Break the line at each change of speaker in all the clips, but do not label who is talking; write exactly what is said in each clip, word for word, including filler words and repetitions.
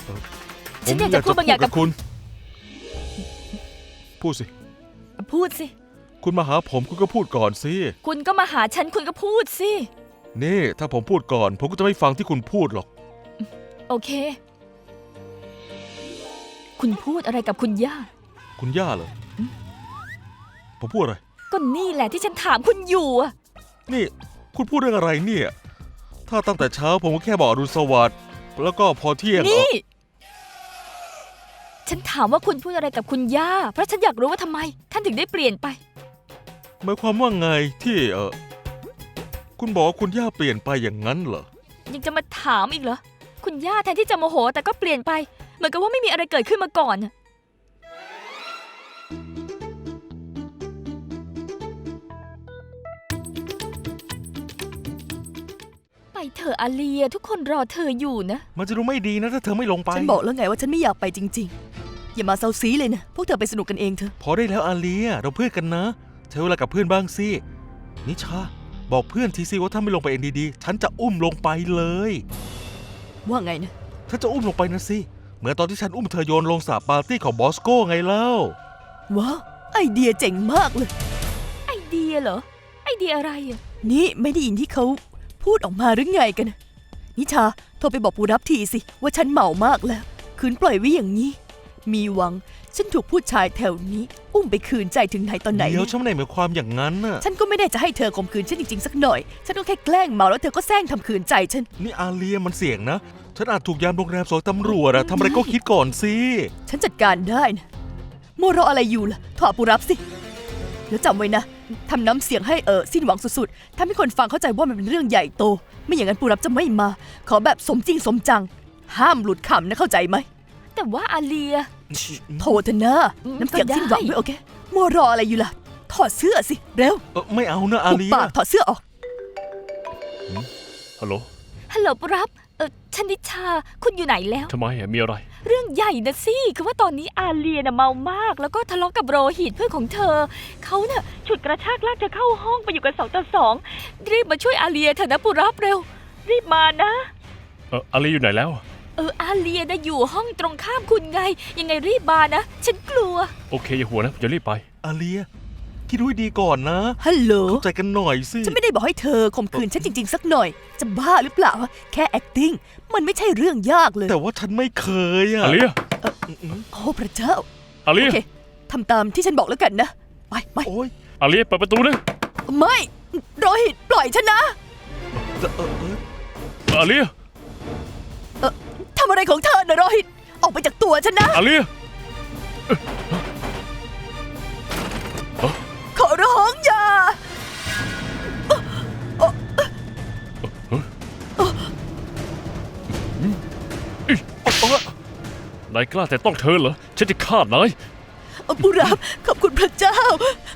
ฉันอยากจะพูดบางอย่างกับ
คุณพูดสิ
พูดสิ
คุณมาหาผมคุณก็พูดก่อนสิ
คุณก็มาหาฉันคุณก็พูดสิ
นี่ถ้าผมพูดก่อนผมก็จะไม่ฟังที่คุณพูดหรอก
โอเคคุณพูดอะไรกับคุณย่า
คุณย่าเหรอผมพูดอะไร
ก็นี่แหละที่ฉันถามคุณอยู่อะ
นี่คุณพูดเรื่องอะไรเนี่ยถ้าตั้งแต่เช้าผมก็แค่บอกอรุณสวัสดิ์แล้วก็พอเที่ยง
นี่ฉันถามว่าคุณพูดอะไรกับคุณย่าเพราะฉันอยากรู้ว่าทำไมท่านถึงได้เปลี่ยนไป
หมายความว่าไงที่เออคุณบอกว่าคุณย่าเปลี่ยนไปอย่างนั้นเหรอ
ยังจะมาถามอีกเหรอคุณย่าแทนที่จะโมโหแต่ก็เปลี่ยนไปเหมือนกับว่าไม่มีอะไรเกิดขึ้นมาก่อนไปเถอะอาเลียทุกคนรอเธออยู่นะ
มันจะดูไม่ดีนะถ้าเธอไม่ลงไป
ฉันบอกแล้วไงว่าฉันไม่อยากไปจริงๆอย่ามาเซาซีเลยนะพวกเธอไปสนุกกันเองเถอะ
พอได้แล้วอาเลียเราเพื่อนกันนะเธอเวลากับเพื่อนบ้างสินิชาบอกเพื่อนทีสิว่าถ้าไม่ลงไปเองดีๆฉันจะอุ้มลงไปเลย
ว่าไงนะ
ถ้าจะอุ้มลงไปนะสิเหมือนตอนที่ฉันอุ้มเธอโยนลงสระปาร์ตี้ของบอสโก้ไงเล่า
ว้าวไอเดียเจ๋งมากเลย
ไอเดียเหรอไอเดียอะไรอ่ะ
นี่ไม่ได้ยินที่เขาพูดออกมาหรือไงกันนิชาโทรไปบอกปูรับทีสิว่าฉันเมามากแล้วคืนปล่อยไว้อย่างนี้มีหวังฉันถูกผู้ชายแถวนี้อุ้มไปคืนใจถึงไหนตอนไหน
เดี๋ยวฉันไม่ได้หมายความอย่างนั้นน่ะ
ฉันก็ไม่ได้จะให้เธอข่มขืนฉันจริงๆสักหน่อยฉันก็แค่แกล้งเมาแล้วเธอก็แซงทำขืนใจฉัน
นี่อาเลียมันเสี่ยงนะฉันอาจถูกยามโรงแรมสอยตำรวจอะทำอะไรก็คิดก่อนสิ
ฉันจัดการได้นะโมรออะไรอยู่ล่ะถอดปูรับสิแล้วจำไว้นะทำน้ำเสียงให้เออสิ้นหวังสุดๆถ้าไม่คนฟังเข้าใจว่ามันเป็นเรื่องใหญ่โตไม่อย่างนั้นปูรับจะไม่มาขอแบบสมจริงสมจังห้ามหลุดคำนะเข้าใจไหม
แต่ว่าอาเลีย
โทษเถอะนะน้ำเสียงสิ้นหวังด้วยโอเคโมรออะไรอยู่ล่ะถอดเสื้อสิเร็ว
เออไม่เอานะอาเลีย
ปากถอดเสื้อออก
ฮัลโหล
ฮัลโหลปูรับเออชนิชาคุณอยู่ไหนแล้ว
ทำไมอะมีอะไร
เรื่องใหญ่นะสิคือว่าตอนนี้อาเลียน่ะเมามากแล้วก็ทะเลาะกับโรหิตเพื่อนของเธอเขาเนี่ยฉุดกระชากลากเธอเข้าห้องไปอยู่กันสองต่อสองรีบมาช่วยอาเลียเถอะนะปูรับเร็วรีบมานะ
เอออาเลียอยู่ไหนแล้ว
เอออาเลียนะอยู่ห้องตรงข้ามคุณไงยังไงรีบมานะฉันกลัว
โอเคอย่าหัวนะจะรีบไปอาเลียคิดดูให้ดีก่อนนะ
ฮัลโหล
เข้าใจกันหน่อยสิ
ฉันไม่ได้บอกให้เธอข่มขืนฉันจริงๆสักหน่อยจะบ้าหรือเปล่าแค่ acting มันไม่ใช่เรื่องยากเลย
แต่ว่าฉันไม่เคยอะ
อาเลีย
โอ้พระเจ้า
อาเลีย
โอเคทำตามที่ฉันบอกแล้วกันนะไปไป
โอ้ย
อาเลียเปิดประตูนะ
ไม่โรหิตปล่อยฉันนะ
อาเลีย
เออทำอะไรของเธอนะโรหิตออกไปจากตัวฉันนะ
อาเลีย
ขอร้องอย่
านายกล้าแต่ต้องเธอเหรอฉันจะฆ่านาย
ปุรับขอบคุณพระเจ้า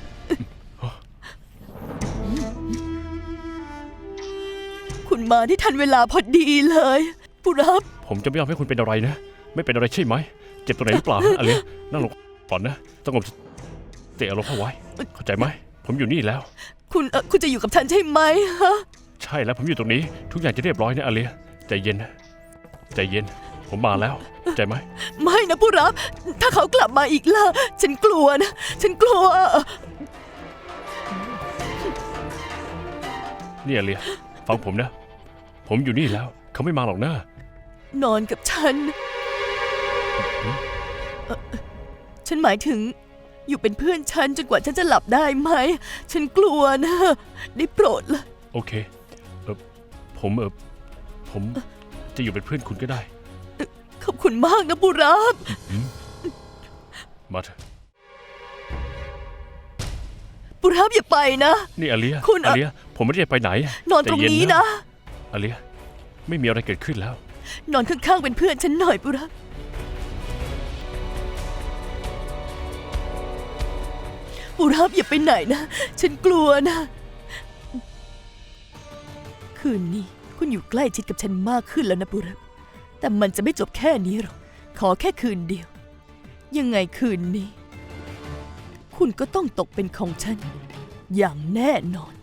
คุณมาที่ทันเวลาพอดีเลยปุรับ
ผมจะไม่ยอมให้คุณเป็นอะไรนะไม่เป็นอะไรใช่ไหมเจ็บตรงไหนหรือเปล่าอะไรนั่งลงก่อนนะสงบเตะอารมณ์เข้าไว้เข้าใจไหมผมอยู่นี่แล้ว
คุณเออคุณจะอยู่กับฉันใช่ไหมฮะ
ใช่แล้วผมอยู่ตรงนี้ทุกอย่างจะเรียบร้อยนะอาเลียใจเย็นนะใจเย็นผมมาแล้วใจไหม
ไม่นะปุรับถ้าเขากลับมาอีกล่ะฉันกลัวนะฉันกลัว
นี่อาเลียฟังผมนะผมอยู่นี่แล้วเขาไม่มาหรอกนะ
นอนกับฉันฉันหมายถึงอยู่เป็นเพื่อนฉันจนกว่าฉันจะหลับได้ไหมฉันกลัวนะได้โปรดละ
โอเคเออผมเออผมจะอยู่เป็นเพื่อนคุณก็ได้
ขอบคุณมากนะปุรับ
มาเถอะ
ปุรับอย่าไปนะ
นี่อาเลีย
คุณ
อาเลียผมไม่ได้ไปไหน
นอนตรงนี้นะ
อาเลียไม่มีอะไรเกิดขึ้นแล้ว
นอนข้างๆเป็นเพื่อนฉันหน่อยปุรับปุรับอย่าไปไหนนะฉันกลัวนะคืนนี้คุณอยู่ใกล้ชิดกับฉันมากขึ้นแล้วนะปุรับแต่มันจะไม่จบแค่นี้หรอกขอแค่คืนเดียวยังไงคืนนี้คุณก็ต้องตกเป็นของฉันอย่างแน่นอน